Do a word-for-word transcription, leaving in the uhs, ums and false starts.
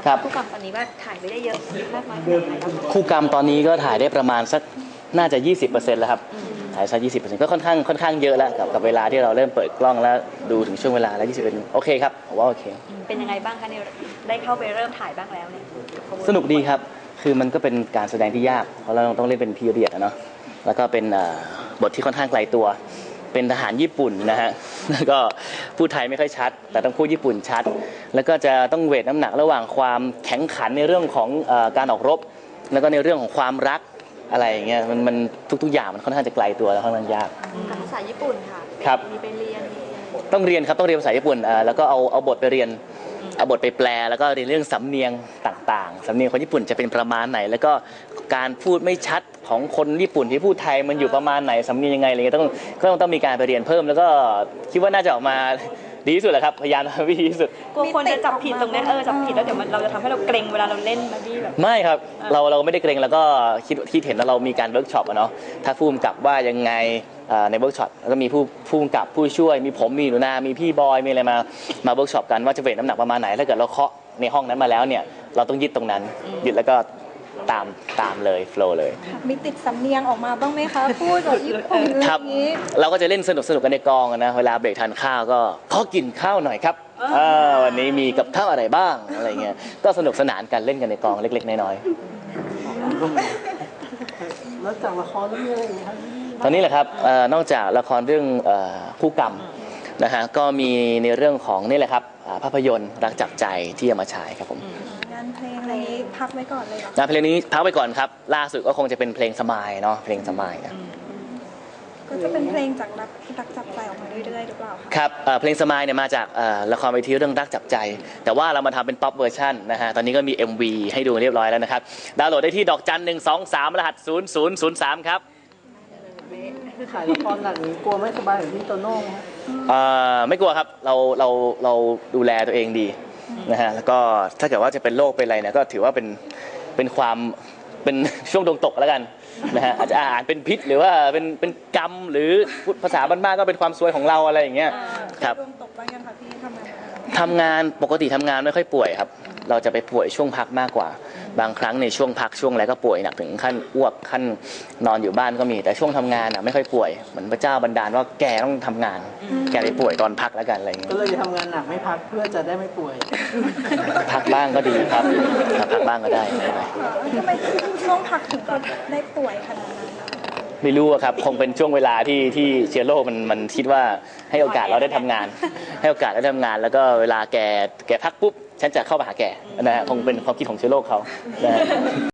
ครับคู่กรรมตอนนี้ว่าถ่ายไปได้เยอะมากน้อยขนาดไหนครับคู่กรรมตอนนี้ก็ถ่ายได้ประมาณสักน่าจะ ยี่สิบเปอร์เซ็นต์ แล้วครับถ่ายสัก ยี่สิบเปอร์เซ็นต์ ก็ค่อนข้างค่อนข้างเยอะแล้วกับกับเวลาที่เราเริ่มเปิดกล้องแล้วดูถึงช่วงเวลาแล้ว ยี่สิบเปอร์เซ็นต์ โอเคครับผมว่าโอเคเป็นยังไงบ้างคะเนี่ยได้เข้าไปเริ่มถ่ายบ้างแล้วเนี่ยสนุกดีครับคือมันก็เป็นการแสดงที่ยากเพราะเราต้องเล่นเป็นพีเรียดอะเนาะแล้วก็เป็นบทที่ค่อนข้างไกลตัวเป็นทหารญี่ปุ่นนะฮะแล้วก็พูดไทยไม่ค่อยชัดแต่ต้องพูดญี่ปุ่นชัดแล้วก็จะต้องเวทน้ำหนักระหว่างความแข็งขันในเรื่องของการออกรบแล้วก็ในเรื่องของความรักอะไรอย่างเงี้ยมันมันทุกๆอย่างมันค่อนข้างจะไกลตัวแล้วค่อนข้างยากกับภาษาญี่ปุ่นค่ะครับมีไปเรียนต้องเรียนครับต้องเรียนภาษาญี่ปุ่นแล้วก็เอาเอาบทไปเรียนเอาบทไปแปลแล้วก็เรียนเรื่องสำเนียงต่างๆสำเนียงคนญี่ปุ่นจะเป็นประมาณไหนแล้วก็การพูดไม่ชัดของคนญี่ปุ่นที่พูดไทยมันอยู่ประมาณไหนสำเนียงยังไงอะไรเงี้ยต้องก็ต้องมีการไปเรียนเพิ่มแล้วก็คิดว่าน่าจะออกมาดีที่สุดแหละครับพยายามทำให้ดีที่สุดกลัวคนจะจับผิดตรงนี้เออจับผิดแล้วเดี๋ยวมันเราจะทำให้เราเกรงเวลาเราเล่นมาบี้แบบไม่ครับเราเราไม่ได้เกรงแล้วก็คิดคิดเห็นแล้วเรามีการเวิร์กช็อปอะเนาะถ้าผู้กำกับว่ายังไงในเวิร์กช็อปแล้วก็มีผู้ผู้กำกับผู้ช่วยมีผมมีหนูนามีพี่บอยมีอะไรมามาเวิร์กช็อปกันว่าจะเวทน้ำหนักประมาณไหนถ้าเกิดเราเคาะในห้องนั้นมาแล้วเนี่ยเราต้องยึดตรงนั้นยึดแล้วก็ตามตามเลยโฟล์เลยมีติดสำเนียงออกมาบ้างไหมคะพูดแบบญี่ปุ่นอะไรอย่างนี้เราก็จะเล่นสนุกสนุกกันในกองนะเวลาเบรกทานข้าวก็ขอกินข้าวหน่อยครับวันนี้มีกับข้าวอะไรบ้างอะไรเงี้ยก็สนุกสนานกันเล่นกันในกองเล็กๆน้อยๆแล้วจากละครเรื่องอะไรครับตอนนี้แหละครับนอกจากละครเรื่องคู่กรรมนะฮะก็มีในเรื่องของนี่แหละครับภาพยนตร์รักจับใจที่จะมาฉายครับผมงานเพลงอะไรนี้พักไว้ก่อนเลยเหรองานเพลงนี้พักไว้ก่อนครับล่าสุดก็คงจะเป็นเพลงสมายเนาะเพลงสมายนะก็จะเป็นเพลงจากรักรักจับใจออกมาเรื่อยๆหรือเปล่าคะครับเพลงสมายเนี่ยมาจากละครเวทีเรื่องรักจับใจแต่ว่าเรามาทำเป็นป๊อปเวอร์ชันนะฮะตอนนี้ก็มี เอ็ม วี ให้ดูเรียบร้อยแล้วนะครับดาวน์โหลดได้ที่ดอกจันหนึ่งสองสามรหัสศูนย์ศูนย์ศูนย์สามครับถ่ายละครหนักนี้กลัวไม่สบายแบบพี่โตโน่ไหมไม่กลัวครับเราเราเราดูแลตัวเองดีนะฮะแล้วก็ถ้าเกิดว่าจะเป็นโรคเป็นอะไรเนี่ยก็ถือว่าเป็นเป็นความเป็นช่วงดวงตกแล้วกันนะฮะอาจจะอ่านเป็นพิษหรือว่าเป็นเป็นกรรมหรือภาษาบ้านๆก็เป็นความซวยของเราอะไรอย่างเงี้ยครับดวงตกบ้างยังคะพี่ทำงานทำงานปกติทำงานไม่ค่อยป่วยครับเราจะไปป่วยช่วงพักมากกว่าบางครั้งในช่วงพักช่วงอะไรก็ป่วยหนักถึงขั้นอ้วกขั้นนอนอยู่บ้านก็มีแต่ช่วงทำงานอ่ะไม่ค่อยป่วยเหมือนพระเจ้าบันดาลว่าแกต้องทำงานแกไปป่วยตอนพักแล้วกันอะไรอย่างเงี้ยก็เลยจะทำงานหนักไม่พักเพื่อจะได้ไม่ป่วยพักบ้างก็ดีครับพักบ้างก็ได้ไม่เป็นไรทำไมช่วงพักถึงก็ได้ป่วยขนาดนั้นไม่รู้ครับคงเป็นช่วงเวลาที่ที่เชื้อโรคมันมันคิดว่าให้โอกาสเราได้ทำงานให้โอกาสได้ทำงานแล้วก็เวลาแกแกพักปุ๊บฉันจะเข้ามาหาแกนะฮะคงเป็นความคิดของเชื้อโรคเขานะฮะ